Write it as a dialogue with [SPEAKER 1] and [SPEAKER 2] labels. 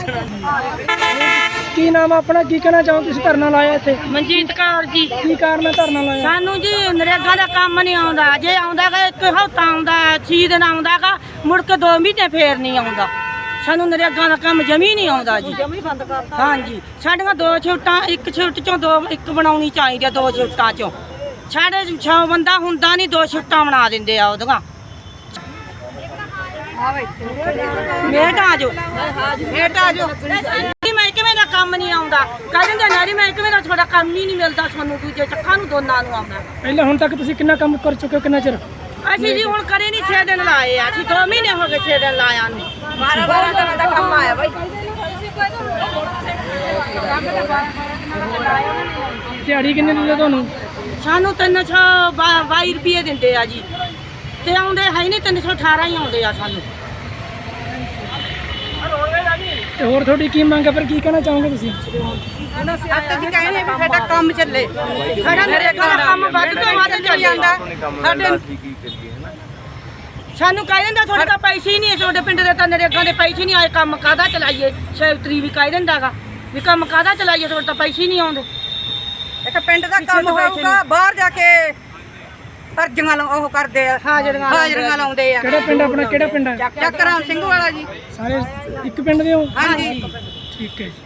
[SPEAKER 1] ਕੀ ਨਾਮ ਆ ਆਪਣਾ, ਕੀ ਕਹਿਣਾ ਚਾਹੋ ਤੁਸੀਂ ਧਰਨਾ ਲਾਇਆ ਇੱਥੇ?
[SPEAKER 2] ਮਨਜੀਤ ਕੌਰ ਜੀ।
[SPEAKER 1] ਕੀ ਕਾਰਨ ਹੈ ਧਰਨਾ ਲਾਇਆ?
[SPEAKER 2] ਸਾਨੂੰ ਜੀ ਨਰੇਗਾ ਦਾ ਕੰਮ ਨਹੀਂ ਆਉਂਦਾ, ਜੇ ਆਉਂਦਾਗਾ ਇੱਕ ਹਫ਼ਤਾ ਆਉਂਦਾ, 6 ਦਿਨ ਆਉਂਦਾਗਾ, ਮੁੜ ਕੇ 2 ਮਹੀਨੇ ਫੇਰ ਨਹੀਂ ਆਉਂਦਾ। ਸਾਨੂੰ ਨਰੇਗਾ ਦਾ ਕੰਮ ਜਮੀ ਨਹੀਂ ਆਉਂਦਾ ਜੀ, ਜਮੀ ਬੰਦ ਕਰਤਾ। ਹਾਂਜੀ, ਸਾਡੀਆਂ 2 ਸ਼ਿਫਟਾਂ, ਇੱਕ ਸ਼ਿਫਟ ਚੋਂ 2 ਇੱਕ ਬਣਾਉਣੀ ਚਾਹੀਦੀ ਆ, 2 ਸ਼ਿਫਟਾਂ ਚੋਂ। ਸਾਡੇ 6 ਬੰਦਾ ਹੁੰਦਾ ਨਹੀਂ, 2 ਸ਼ਿਫਟਾਂ ਬਣਾ ਦਿੰਦੇ ਆ ਉਹਦੀਆਂ। ਮੇਟ ਆ ਜਾਓ, ਮੇਟ ਆ ਜਾਓ। ਮਹਿਕਮੇ ਦਾ ਕੰਮ ਨਹੀਂ ਆਉਂਦਾ, ਕਹਿ ਦਿੰਦੇ ਨਾਰੀ ਮਹਿਕਮੇ ਦਾ ਤੁਹਾਡਾ ਕੰਮ ਹੀ ਨਹੀਂ ਮਿਲਦਾ ਸਾਨੂੰ, ਦੂਜੇ ਚੱਕਾਂ ਨੂੰ ਦੋਨਾਂ ਨੂੰ ਆਉਂਦਾ।
[SPEAKER 1] ਪਹਿਲਾਂ ਹੁਣ ਤੱਕ ਤੁਸੀਂ ਕਿੰਨਾ ਕੰਮ ਕਰ ਚੁੱਕੇ ਹੋ, ਕਿੰਨਾ ਚਿਰ?
[SPEAKER 2] ਅਸੀਂ ਜੀ ਹੁਣ ਕਰੇ ਨਹੀਂ, 6 ਦਿਨ ਲਾਏ ਆ, ਅਸੀਂ 2 ਮਹੀਨੇ ਹੋ ਗਏ 6 ਦਿਨ ਲਾਇਆ ਨੂੰ। 12 ਦਿਨ ਦਾ ਕੰਮ ਆਇਆ ਬਾਈ।
[SPEAKER 1] ਦਿਹਾੜੀ ਕਿੰਨੇ ਦਿੰਦੇ ਤੁਹਾਨੂੰ?
[SPEAKER 2] ਸਾਨੂੰ 322 ਰੁਪਏ ਦਿੰਦੇ ਆ ਜੀ, ਤੇ ਆਉਂਦੇ ਹੈ ਨਹੀਂ, 318 ਹੀ ਆਉਂਦੇ ਆ ਸਾਨੂੰ।
[SPEAKER 1] ਤੇ ਹੋਰ ਤੁਹਾਡੀ ਕੀ ਮੰਗ ਹੈ, ਫਿਰ ਕੀ ਕਹਿਣਾ ਚਾਹੋਗੇ ਤੁਸੀਂ?
[SPEAKER 2] ਆਪਾਂ ਜੀ ਕਹਿੰਦੇ ਵੀ ਸਾਡਾ ਕੰਮ ਚੱਲੇ, ਸਾਡਾ ਨਰੇਗਾ ਦਾ ਕੰਮ ਵੱਧ ਤੋਂ ਵੱਧ ਚੱਲ ਜਾਂਦਾ। ਸਾਨੂੰ ਕਹਿ ਦਿੰਦਾ ਤੁਹਾਡੇ ਤਾਂ ਪੈਸੇ ਹੀ ਨਹੀਂ, ਤੁਹਾਡੇ ਪਿੰਡ ਦੇ ਤਾਂ ਨਰੇਗਾ ਦੇ ਪੈਸੇ ਨਹੀਂ ਆਏ, ਕੰਮ ਕਾਹਦਾ ਚਲਾਈਏ? ਸੈਕਟਰੀ ਵੀ ਕਹਿ ਦਿੰਦਾਗਾ ਵੀ ਕੰਮ ਕਾਹਦਾ ਚਲਾਈਏ, ਤੁਹਾਡੇ ਤਾਂ ਪੈਸੇ ਹੀ ਨਹੀਂ ਆਉਂਦੇ।
[SPEAKER 3] ਇੱਕ ਪਿੰਡ ਦਾ ਕੰਮ ਹੋਊਗਾ, ਬਾਹਰ ਜਾ ਕੇ ਅਰਜ਼ੀਆਂ ਉਹ ਕਰਦੇ ਆ, ਹਾਜ਼ਰੀਆਂ ਲਾਉਂਦੇ ਆ।
[SPEAKER 1] ਕਿਹੜਾ ਪਿੰਡ ਆਪਣਾ, ਕਿਹੜਾ ਪਿੰਡ ਹੈ?
[SPEAKER 3] ਚੱਕਰਾਮ ਸਿੰਘ ਵਾਲਾ ਜੀ।
[SPEAKER 1] ਸਾਰੇ ਇੱਕ ਪਿੰਡ ਦੇ ਹੋ?
[SPEAKER 3] ਹਾਂਜੀ,
[SPEAKER 1] ਠੀਕ ਹੈ ਜੀ।